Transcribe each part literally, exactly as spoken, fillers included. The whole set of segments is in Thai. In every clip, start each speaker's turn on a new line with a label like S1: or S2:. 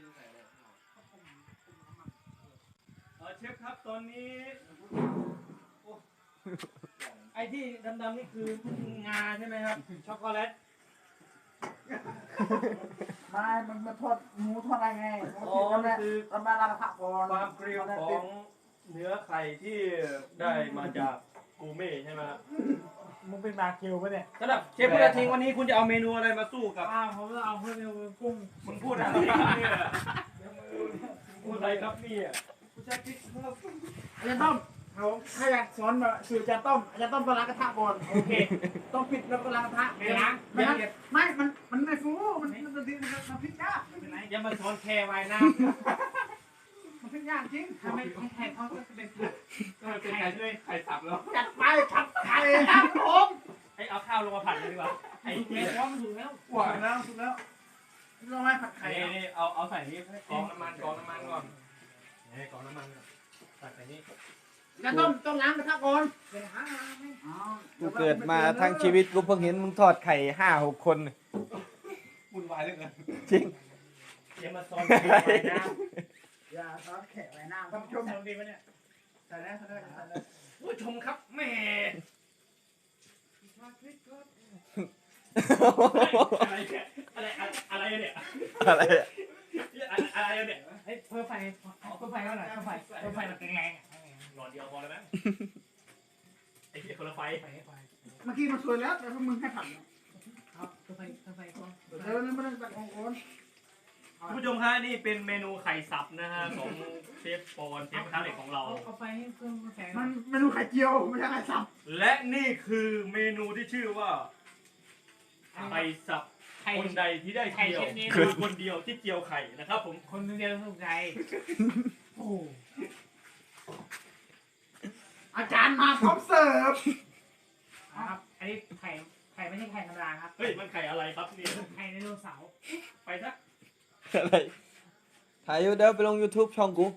S1: เออเชฟครับตอนนี้ไอ้ที่ดำๆนี่คืองาใช่ไหมครับช็อกโกแลต
S2: ไม่มันมาทอดหมูทอดอะไรไงอ๋อคือตอนมาลาผักก่อน
S1: ความเกลียวของเนื้อไข่ที่ได้มาจากกูเม่ใช่ไหมครับ
S2: มึงเป็นมาคิวปะเนี่ย
S1: สำหรับเชฟพุทธทิงวันนี้คุณจะเอาเมนูอะไรมาสู้กับ
S2: อ้าวผมจะเอาเพื่อนกุ้ง
S1: มึงพูดอะไรครับเนี่ยพูดอะไรครับเนี่ยกูจะคิดว่า
S2: อาจารย์ต้อมเขาถ้าอยากสอนแบบสูตรอาจารย์ต้อมอาจารย์ต้อมต้องล้างกระทะก่อนโอเคต้องปิดแล้วก็ล้างกระทะ
S1: ไม่ล้าง
S2: ไม่ไม่มันมันไม่ฟูมันมันมันมันพลิกยากไม่เป็นไร
S1: อย่ามาสอนแค่ไว้น้
S2: ำมันพลิกยากจริง
S1: ทำไมแค่เขาจะเป็นก็เป็นไข่ด้วยไข่สับแล้ว
S2: จัดไปผัดไข่ครับผม
S1: ให้เอาข้าวลงมาผัดเลยดีกว่าไอ้เนี้ย
S2: ร้อนถูกแล้วหวานแล้วถูกแล้วเราไม่ผัดไข่
S1: นี่เอาเอาใส่นี่กองน้ำมันกองน้ำมันก่อนนี่กองน้ำมันใส่ใส่นี่
S2: จะต้มต้องล้างกระทะก่อน
S3: กูเกิดมาทั้งชีวิตกูเพิ่งเห็นมึงทอดไข่ห้าหกคน
S1: วุ่นวายเหลือเกิน
S3: จริง
S1: อย่ามาซ้อนแขกไว้น้
S2: ำอย่าซ้อนแขกไว้น้ำท่านผู้ชมดีไหมเนี่ยใส่ได้ใส่ได้ใส่ได้
S1: ผู้ชมครับแม่อะไรเนี่ยอะไรอะไรเนี่ย
S3: อะไร
S1: อะไรเนี่ย
S2: เฮ้ยเพิ่มไฟเพิ่มไฟเท่าไหร่เพิ่มไฟเพิ่มไฟมันแรง
S1: หลอดเดียวพอแล้วไหมไอ้เหี้ยคนละไฟ
S2: เมื่อกี้มันสวยแล้วแต่พวกมึงให้ผัด
S1: ครับเพิ่มไฟเพิ่มไฟก่อน
S2: เดี๋ยวไม่ต้องตัดของคน
S1: ผู้ชมฮะนี่เป็นเมนูไข่สับนะฮะของเชฟปอนเชฟกระทะเหล็กของเรา
S2: เอาไฟให้เพิ่มแข็งมันเมนูไข่เจียวไม่ใช่ไข่สับ
S1: และนี่คือเมนูที่ชื่อว่าไข่สับคนใดที่ได้เกี่ยวคือคนเดียวที่เกี่ยวไข่นะครับผม
S2: คนเดียวสุขใจโอ้อาจารย์มาพร้อมเสิร์ฟครับอันนี้ไข่ไข่ไม่ใช่ไข่ธรรมดาครับ
S1: เฮ้ยมันไข่อะไรครับนี่
S2: ไข่ไดโนเสาร์
S1: ไปซะ
S3: อะไรถ่ายอยู่เดี๋ยวไปลง YouTube ช่องกู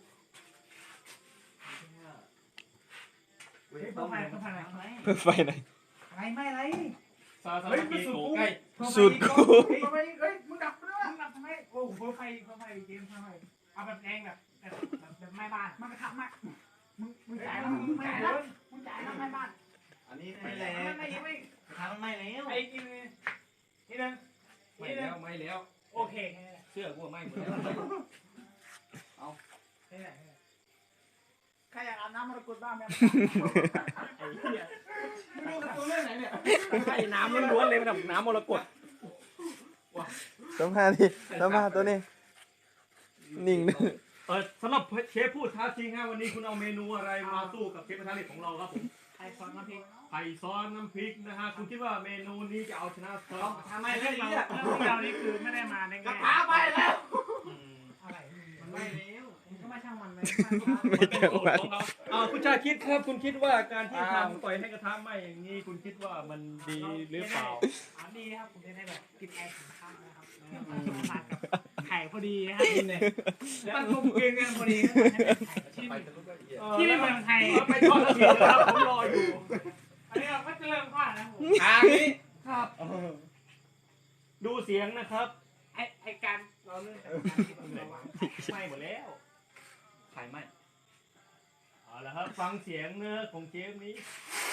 S2: เพิ่มไฟเพิ่มไฟไหน
S3: เพิ่มไฟไหน
S2: อะไรไม่อะไร
S1: ซาซาบิโกใกล้
S3: สูตรกู
S2: เฮ้ยมึงดับไปด้วยมึงดับทำไมโอ้เพิ่มไฟเพิ่มไฟเกมเพิ่มไฟเอาแบบแรงแบบแบบแบบไม่บ้านมันกระทำมากมึงมึงจ่ายแล้วมึงจ่ายแล้วมึงจ่ายแล้วไม่บ้าน
S1: อันนี้ไม่แล้ว
S2: ไม่ไม่
S1: ทางไม่แล้ว
S2: ไอ้กินนี่นึง
S1: ไม่แล้วไม่แล้ว
S2: โอเค
S1: เชื่อกูไม่หมดแล้วเอา
S2: ใครอยากอาบน้ำมรกตบ้างไหม
S1: ไอ้เหี้ยดูตัวเรื่องไหนเนี่ยไข่น้ำล้วนๆเลยมันแบบน้ำมรกต
S3: สัมภาษณ์ดิสัมภาษณ์ตัวนี้นิ่งนึง
S1: เออสำหรับเชฟพูดท้าจริงฮะวันนี้คุณเอาเมนูอะไรมาสู้กับเชฟกระทะเหล็กของเราครับผม
S2: ไข่ซอสน้ำพริก
S1: ไข่ซอสน้ำพริกนะฮะคุณคิดว่าเมนูนี้จะเอาชนะซอส
S2: ทำไมเรื่องเราเรื่องเรานี่คือไม่ได้มาในงาน
S1: กระทะไปแล้ว
S2: อะไรมันไม่แล้วก็ไม่ช่างมันเลย
S3: ไม่ช่างมัน
S1: อ่าคุณชาคิดครับคุณคิดว่าการที่ทำปล่อยให้กระทะไหม้อย่างนี้คุณคิดว่ามันดีหรือเปล่า
S2: อ่าดีครับผมจะได้แบบกินไอของข้าวนะครับผัดกับไข่พอดีนะครับเนี่ยมันกลมกลืนกันพอดีที่ที่ไม่เหมือนไทย
S1: ไปทอดกระเทียมครับผมรออยู่
S2: อันนี้เราก็จะเริ่มผ่านนะผม
S1: ทางนี้ครับดูเสียงนะครับ
S2: ไอไอการเราเรื่องจากการที่เราวาง
S1: ไหม้หมดแล้วไข่ไหม้เอาละครับฟังเสียงเนื้อของเจฟนี้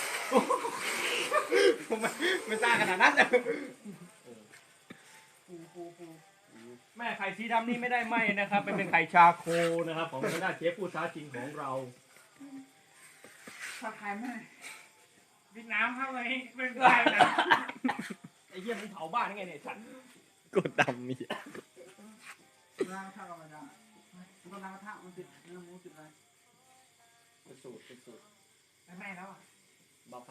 S1: ไม่ไม่ซ่าขนาดนั้น
S2: ปูปูปู
S1: แม่ไข่สีดำนี่ไม่ได้ไหม้นะครับเป็นเป็นไข่ชาโคนะครับของทางด้านเชฟผู้ท้าชิงของเรา
S2: ชาไข่ไหมวิดน้ำเข้าไปเป็นไรนะ
S1: ไอ้เหี้ยมันเผาบ้านยังไงเนี่ยฉัน
S3: กดดำมี
S2: ล้างกระทะเราไม่ได้มันก็ล้างกระทะมันติดเนื้อหมูติดอะไร
S1: เป็นสูตรเป็นสูตร
S2: ไม่ไหม้แล้วอ่ะ